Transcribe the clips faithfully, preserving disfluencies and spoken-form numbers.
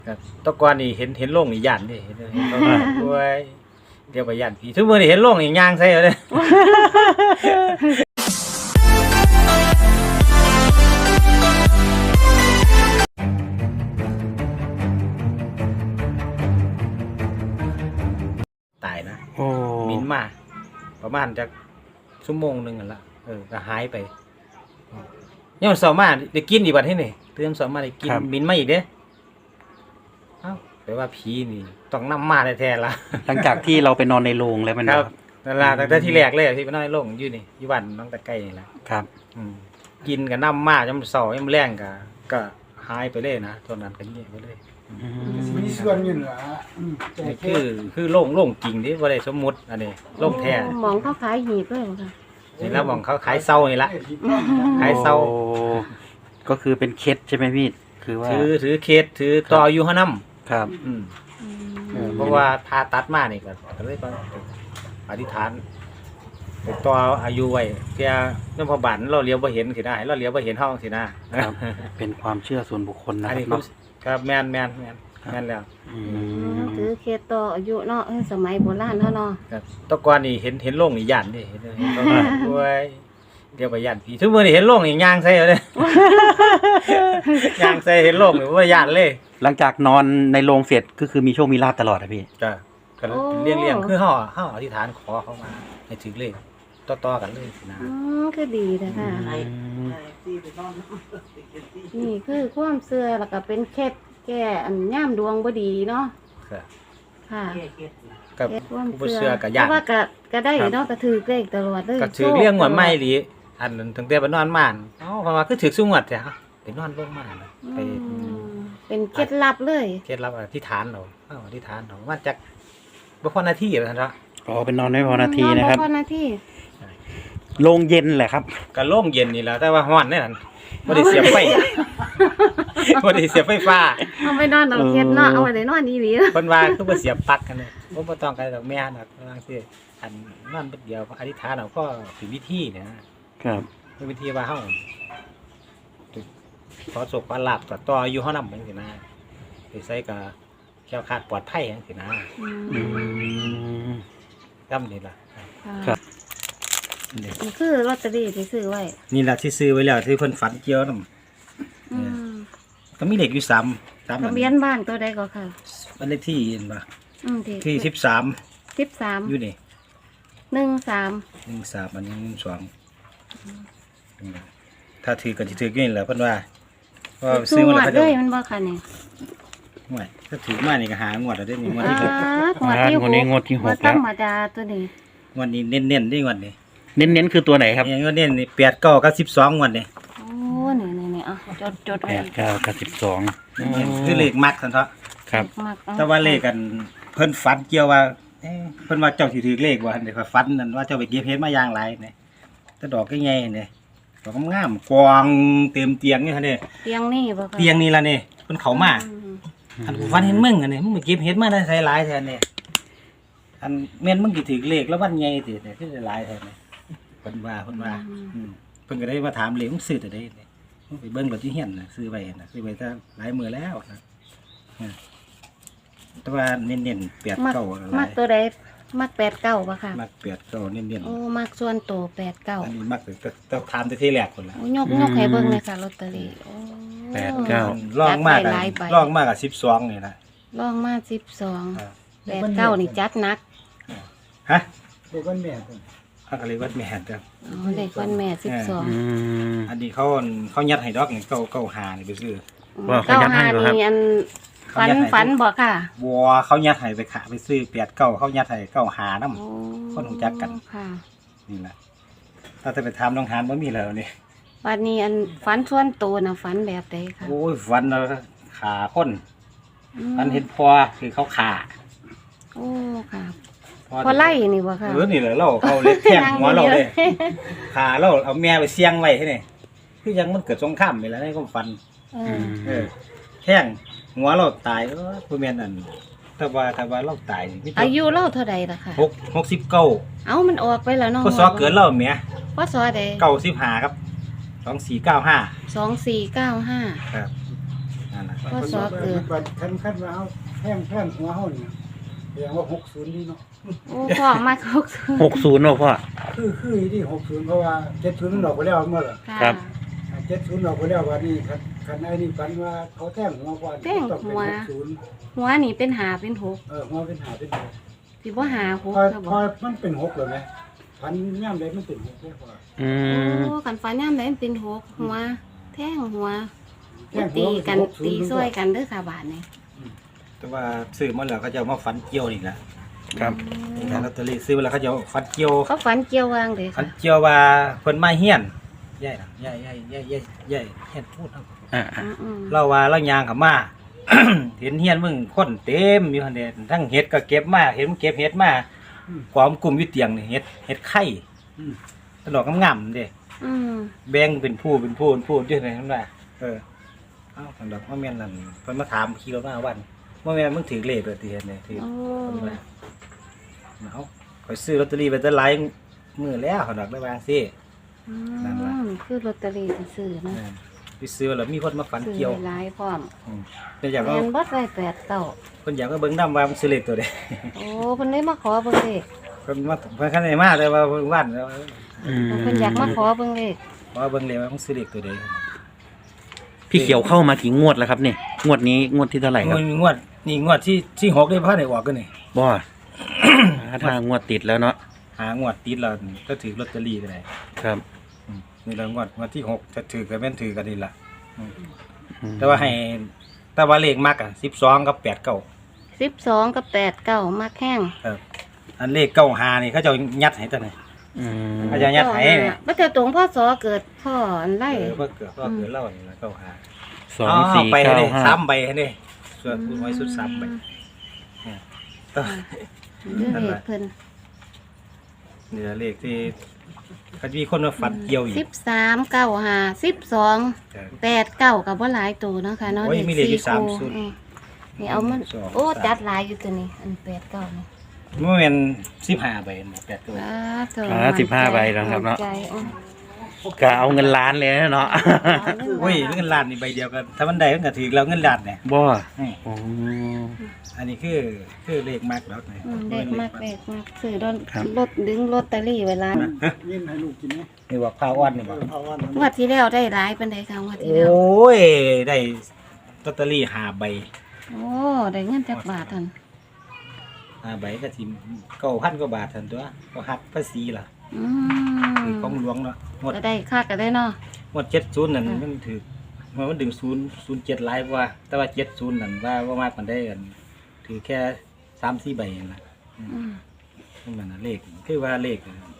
ครับตะกอนนี่เห็นเห็นโล่งนี่ย่านดิเห็นเห็นโล่งด้วยเดี๋ยวไปย่านผีทุกมื้อนี่เห็นโล่งนี่ย่างใส่เอาเด้ตายนะโอ้มินมาประมาณจักชั่วโมงนึงนั่นล่ะเออก็หายไปยามเช้ามาได้กินอีกบัดนี้นี่ตื่นเช้ามาได้กินมินมาอีกเด้เอ้าแปลว่าผีนี่ต้องนำมาแท้ๆล่ะหลังจากที่เราไปนอนในโรงแล้วมันครับนั่นล่ะตั้งแต่ที่แรกเลยที่ไปนอนในโรงอยู่นี่อยู่บ้านน้องตะไคร้นี่ล่ะครับอืมกินก็นำมายามเช้ายามแลงก็ก็หายไปเลยนะตอนนั้นก็เงียบไปเลยมีส่วนอยู่เหรอนี่คือคือโล่งโล่งจริงดิบ่ได้สมมุติอันนี้โล่งแท้หมองเขาขายหีบเลยค่ะนี่แล้วมองเขาขายเซานี่ล่ะขายเซาก็คือเป็นเคสใช่ไหมพี่คือว่าถือถือเคสถือต่ออยู่เฮานำครับอืมเพราะว่าผ่าตัดมานี่ก็ก็เลยอธิษฐานไปต่ออายุไว้เที่ยนำพบาลเราเลี้ยวบ่เห็นสิได้เราเลี้ยวบ่เห็นเฮาสินะครับเป็นความเชื่อส่วนบุคคลนะอันนี้ครับแม่นแม่นแม่นแม่นแล้วถือเคสต่ออายุเนาะสมัยโบราณเฮาเนาะครับตะกอนนี่เห็นเห็นโล่งนี่ย่านดิเห็นเห็นโล่งด้วยเดี๋ยวไปย่านผีทุกมื้อนี่เห็นโล่งนี่ย่างใส่เอาเด้ย่างใส่เห็นโล่งนี่บ่ย่านเลยหลังจากนอนในโรงเสร็จก็คือมีโชคมีลาภตลอดนะพี่ก็ก็เลี้ยงๆคือเฮาเฮาอธิษฐานขอเขามาให้ถึงเลขต่อๆกันเลยนะอ๋อคือดีนะค่ะนี่คือความเชื่อแล้วก็เป็นเคล็ดแก้อันย่ามดวงบ่ดีเนาะค่ะค่ะกับผู้เชื่อก็ย่านว่าก็ก็ได้เนาะก็ถือเลขตลอดเลยก็ถือเลี้ยงงวดใหม่ดิอันตั้งแต่ไปนอนบ้านเอ้าเพราะว่าคือถือซุงวดจ้ะไปนอนลงมาไปเป็นเคล็ดลับเลยเคล็ดลับอธิษฐานเอาเอ้าอธิษฐานเอาว่าจักบ่พอนาทีว่าซั่นเนาะอ๋อเป็นนอนไม่พอนาทีนะครับบ่พอนาทีโรงเย็นแหละครับก็โล่งเย็นนี่แหละแต่ว่าร้อนแน่นั่นบ่ได้เสียบไฟบ่ได้เสียบไฟฟ้าเอาไปนอนเอาเคล็ดเนาะเอาไว้ได้นอนอีหลีเพิ่นว่าคือบ่เสียบปลั๊กกันเนี่ยบ่บ่ต้องกันดอกแม่น่ะว่าจังซี่อันนอนเดียวอธิษฐานเอาก็เป็นวิธีนะครับเป็นวิธีว่าเฮาขอโชคขอลาภต่ออยู่เฮานำจังซี่นะไปใส่ก็แคล้วคลาดปลอดภัยจังซี่นะอืมจำนี่ล่ะครับนี่คือลอตเตอรี่ที่ซื้อไว้นี่ล่ะที่ซื้อไว้แล้วที่เพิ่นฝันเกี่ยวนำอืมก็มีเลขอยู่สาม สามทะเบียนบ้านตัวใดก็ค่ะบ้านเลขที่เห็นบ่อืมที่สิบสามสิบสามอยู่นี่หนึ่งสามหนึ่งสามอันนี้หนึ่งสองถ้าถือก็สิถืออยู่นี่แหละเพิ่นว่าว่าซื้อมาแล้วมันบ่ค่ะนี่ห่วยถ้าถือมานี่ก็หางวดแล้วเด้นี่งวดที่หกงวดที่หกงวดนี้งวดที่หกแล้วธรรมดาตัวนี้งวดนี้เน้นๆนี่งวดนี้เน้นๆคือตัวไหนครับงวดนี้นี่แปด เก้ากับสิบสองงวดนี้โอ้นี่ๆๆอ่ะจดๆไว้แปด เก้ากับสิบสองคือเลขมักซั่นเถาะครับแต่ว่าเลขกันเพิ่นฝันเกี่ยวว่าเอ๊ะเพิ่นว่าเจ้าสิถือเลขว่าเดี๋ยวฝันนั่นว่าเจ้าไปเก็บเห็ดมาอย่างไรนี่แต่ดอกใหญ่ๆนี่ดอกงามกวางเต็มเตียงนี่คั่นนี่เตียงนี่บ่ค่ะเตียงนี่ล่ะนี่เพิ่นเข้ามาอันฝันเห็นมึงอันนี้มึงไปเก็บเห็ดมาได้ใส่หลายแท้นี่อันแม่นมึงสิถือเลขแล้ววันใหญ่สิเนี่ยคือหลายแท้นี่เพิ่นว่าเพิ่นว่าอืมเพิ่นก็ได้มาถามเลขมึงซื้อแต่ใดนี่ไปเบิ่งรถที่เฮียนน่ะซื้อไว้น่ะซื้อไว้แต่หลายมื้อแล้วนะแต่ว่าเน้นๆแปด เก้าอะไรมักตัวใดมักแปด เก้าป่ะค่ะมักแปด เก้าเน้นๆโอ้มักส่วนตัวแปด เก้าอันนี้มักแต่แต่ถามแต่ที่แรกคนละโอ้ยกยกให้เบิ่งเลยค่ะลอตเตอรี่โอ้แปด เก้าลองมากอ่ะลองมากอ่ะสิบสองนี่นะลองมาสิบสองแปด เก้านี่จัดหนักฮะเด็กวันแม่เพิ่นอะไรวัดแม่จ้ะอ๋อเด็กวันแม่สิบสองอันนี้เขาเขายัดให้ดอกนี่เก้า เก้า ห้านี่ไปซื้อว่าเขายัดให้บ่ครับอันฝันฝันบ่ค่ะบัวเขายัดให้ไปขาไปซื้อแปด เก้าเขายัดให้เก้า ห้านำคนรู้จักกันค่ะนี่แหละถ้าจะไปถามน้องหานบ่มีแล้วนี่วันนี้อันฝันส่วนตัวน่ะฝันแบบใดค่ะโอ้ยฝันขาคนฝันเห็นพอคือเขาขาโอ้ค่ะพอไล่นี่บ่ค่ะเออนี่แหละเราเขาเล็กแท่งหัวเราเลยขาเราเอาแม่ไปเสี่ยงไว้ให้นี่คือยังมันเกิดสงครามนี่แหละในความฝันเออแท่งหัวเราตายเออผู้แม่นนั่นถ้าว่าถ้าว่าเราตายอายุเราเท่าใดล่ะค่ะหก หกสิบเก้าเอ้ามันออกไปแล้วเนาะพศเกิดเราแม่พศใดเก้าสิบห้าครับสองสี่เก้าห้าสองสี่เก้าห้าครับนั่นน่ะพศเกิดบัดคันคันว่าเฮาแพงแพงหัวเฮานี่แสดงว่าหกสิบนี่เนาะโอ้พ่อมาหกสิบหกศูนย์เนาะพ่อคือคือที่หกสิบเพราะว่าเจ็ดสิบมันออกไปแล้วเมื่อไหร่ค่ะครับเจ็ดสิบออกไปแล้ววันนี้คันคันไอ้นี่ฝันว่าเขาแท่งหัวก่อนแท่งต้องเป็นหัวหกสิบหัวนี่เป็นหาเป็นหกเออหัวเป็นหาเป็นหกสิบ่หาหพกอครับพบ่อมันเป็นหกเลยไหมฝันย่ำใดมันเป็นหกเลยพออืมโอ้กันฟ้าย่ามได้มันเป็นหกหัว แท่งหัวแท่งหัตีวกันหกสิบตีซ้วยกันเด้อค่ะบาทนี่แต่ว่าซื้อมาแล้วเขาจะเอามาฟันเกี่ยวนี่แหละครับแต่ลอตเตอรี่ซื้อมาแล้วเขาจะเอาฟันเกี่ยวเขาฝันเกี่ยววางเด้อฟัค่ะนเกี่ยวว่าเพิ่นมาเฮียนใหญ่น่ะใหญ่ใหญ่ใหญ่ใหญ่ใหญ่เฮียนพูดเอาอ่าอืมอืมเราว่าเรายางเข้ามา เห็นเฮียนมึงคนเต็มอยู่หั่นเด้ทั้งเห็ดก็เก็บมาเห็นมันเก็บเห็ดมาความกลุ่มอยู่เตียงนี่เห็ดเห็ดไข่ตลอกงามๆเด้อืมแบ่งเป็นผู้เป็นผู้เป็นผู้อยู่ไหนนั่นว่าเออเอ้าสันดอกว่าแม่นนั่นเพิ่นมาถามขี่รถมาวันว่าแม่นมึงถือเลขเลยที่เฮ็ดเนี่ยถือโอ้เพิ่นว่าเอาข่อยซื้อลอตเตอรี่ไปแต่หลายมื้อแล้วเขาดอกได้ว่าซี่อืนั่นล่ะมคือลอตเตอรี่ที่ซื้อเนาะเออไปซื้อแล้วมีคนมาฝันซื้อเกี่ยวหลายพร้อมอืมเพิ่นอยากแม่เอานบ่ได้แปดเก้าเพิ่นอยากเอาเบิ่งนำว่ามันซื้อเลขตัวใดโอ้เพิ่นได้มาขอเบิ่งเลขเพิ่นมาเพิ่นคันได้มาแต่ว่าเพิ่นวันแล้วอืมเพิ่นอยากมาขอเบิ่งเลขว่าเบิ่งเลขว่ามันซื้อเลขตัวใดพี่เขียวเข้ามากี่งวดแล้วครับเนี่ยงวดนี้งวดที่เท่าไหร่ครับงวดงวดนี่งวดที่ที่หกได้พาได้ออกกันนี่บ่ ถ้างวดติดแล้วเนาะหางวดติดแล้วก็ถือลอตเตอรี่ก็ได้ครับอืมนี่ละงวดงวดที่หกจะถือก็แม่นถือกันนี่ล่ะอืมอืมแต่ว่าให้แต่ว่าเลขมักอ่ะสิบสองกับแปดเก้าสิบสองกับแปดเก้ามาแข้งครับอันเลขเก้าหานี่เขาจะเอายัดให้ตัวไหนอืมอาจารย์ ยัดให้เนี่ยบ่แต่ตรงพ่อสอเกิดพ่ออันไรเออเพื่อเกิดเพื่อเกิดเล่านี่ละเก้าหาสองสี่ไปเก้าเลยห้าสามใบให้นี่ส่วนคุณไว้สุดสามใบเนี่ยต่อเรื่องเลขเพิ่นนี่ละเลขที่เขาจะมีคนมาฝันเกี่ยวอีกสิบสามเก้าห้าสิบสองแปดเก้ากับว่าหลายตัวเนาะค่ะเนาะโอ้ยมีเลขอยู่สามคู่สุดอืมนี่เอามันสองโอ้สามจัดหลายอยู่ตัวนี้อันแปดเก้านี่เมื่อเป็นสิบห้าใบแปดตัวอ่าเถอะอ่าสิบห้าใบนะครับเนาะมั่ใจอืมกะเอาเงินล้านเลยนะเนาะโอ้ยเงินล้านนี่ใบเดียวกันถ้ามันได้มันก็ถือแล้วเงินล้านเนี่ยบ่อืมอ๋ออันนี้คือคือเลขมากแล้วไงอืมเด็กมากเด็กมากซื้อรถครับรถดึงลอตเตอรี่เวลายินให้ลูกกินไหมนี่ว่าข้าวอ้อนนี่เอบ่อเอาวันนั้นงวดที่แล้วได้หลายเป็นไดค่ะงวดโอที่แล้ว้ยได้ลอตเตอรี่ห้าใบโอ้ได้เงินจักบาททันห้าใบก็สิเก้าพันกว่าบาททันตัวก็หักภาษีล่ะอืคือมของหลวงเนาะงวดก็ได้ค่าก็ได้เนาะงวดเจ็ดศูนย์นั่นมันถือมันมันดึงศูนย์ศูนย์เจ็ดหลายกว่า แต่ว่าเจ็ดศูนย์นั่นว่าว่ามากมันได้กันถือแค่สามสี่ใบนั่นล่ะอืมนั่นมันน่ะเลขคือว่าเลข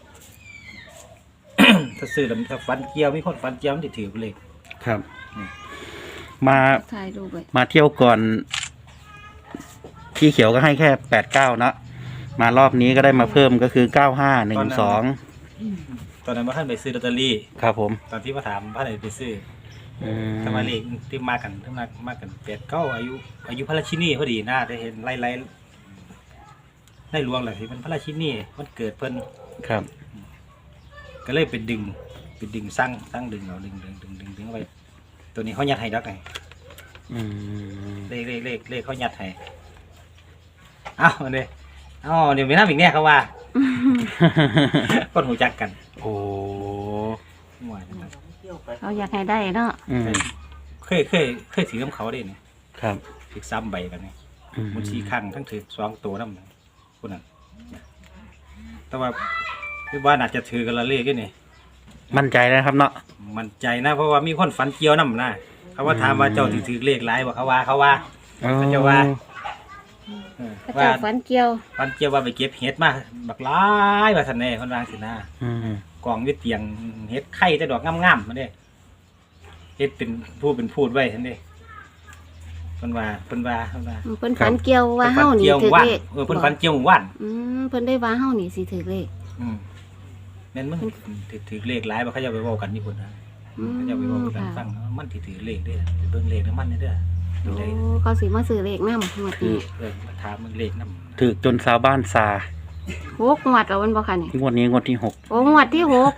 ถ้าซื้อแล้วถ้าฟันเกี่ยวมีคนฟันเกี่ยวมันสิถือเลขครับอืมมาถ่ายรูปไว้มาเที่ยวก่อนพี่เขียวก็ให้แค่แปดเก้าเนาะมารอบนี้ก็ได้มาเพิ่มก็คือเก้าห้าหนึ่งสองตอนนั้นว่าท่านไปซื้อลอตเตอรี่ครับผมตอนที่มาถามว่าไหนไปซื้ออืมถ้ามาเลขที่มากันที่มามากันแปดเก้าอายุ อายุพระราชินีพอดีน่าได้เห็นไล่ไล่ไล่ลวงเลยที่มันพระราชินีมันเกิดเพิ่นครับก็เลยไปดึงไปดึงสร้างสร้างดึงเอาดึงดึงดึงดึงดึงเอาไปตัวนี้เขายัดให้ดักไงอืมเลขเลขเลขเลขเขายัดให้เอ้าอันนี้เอ้าเดี๋ยวมีน้ำอีกเนี่ยเขาว่า คนหูจักกันโอ้มั่วจังเลยเขาอยากให้ได้เนาะอืมเคยเคยเคยถือน้ำเขาได้เนี่ยครับถือซ้ำใบกันนี่อืมมันชี้ข้างทั้งถือสองตัวน้ำคนนั้นแต่ว่าพี่ว่าน่าจะถือกันละเลขกันนี่มั่นใจนะครับเนาะมันใจนะเพราะว่ามีคนฝันเกี่ยวน้ำนะเขาว่าถามว่าเจ้าถือถือเลขหลายบ่เขาว่าเขาว่า เขาจะว่า เออพระว่าเจ้าฝันเกี่ยวฝันเกี่ยวว่าไปเก็บเห็ดมาบักหลายว่าทันแน่คนวางสินะอืมกองอยึดเตียงเห็ดไข่แต่ดอกงามๆมาเด้เห็ดเป็นพูดเป็นพูดไว้ทันเด้เพิ่นว่าเพิ่นว่าเพิ่นว่าอืมเพิ่นฝันเกี่ยวว่าเฮานี่เกี่ยวถือว่านเลขเออเพิ่นฝันเกี่ยวว่านอืมเพิ่นได้ว่าเฮานี่สิถือเลขอืมแม่นมึงถือถือเลขหลายบ่เขาจะไปเว้ากันนี่พุ่นนะอืมเขาจะไปเว้ากันค่ะฟังว่ามันสิถือเลขเด้อไปเบิ่งเลขน้ำมันเด้อดูโอ้ได้เขาสิมาซื้อเลขนำหมดคือนี้เออมาถามมึงเลขนำถือจนชาวบ้านซาหกงวดแล้วมันบ่ค่ะนี่งวดนี้งวดที่หกโอ้งวดที่หก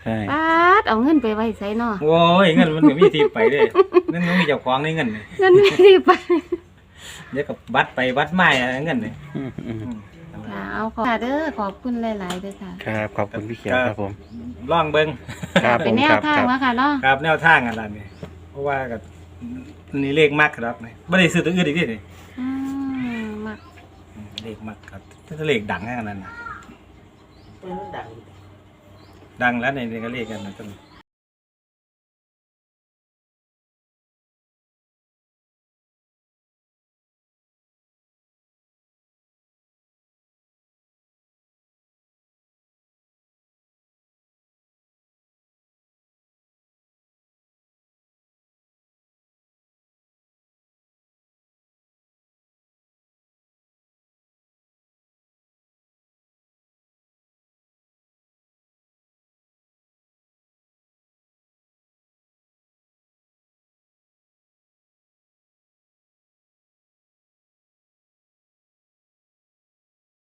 ใช่ปาดเอาเงินไปไว้ไสเนาะโอ้ยเงินมันก็มีที่ไปเด้นั่นมันมีเจ้าของในเงินนี่เงินไม่ได้ไปเดี๋ยวกับบัตรไปบัตรมาอะไรเงินนี่อืมอืมอืมค่ะเอาขอบค่ะเด้อขอบคุณหลายๆเด้อค่ะครับขอบคุณพี่เขียวครับผมลองเบิ่งครับผเป็นมแนคว รับทางครับแล้วค่ะเนาะครับแนวทางอันนั้นนี่เพราะว่ากับนี่เลขมากครับนี่บ่ได้ซื้อตัวอื่นอีกนี่อืมมักอืมเลขมากครับถ้าเลขดังแค่นั้นน่ะดังแล้วในนี่ก็เลขกันนะต้น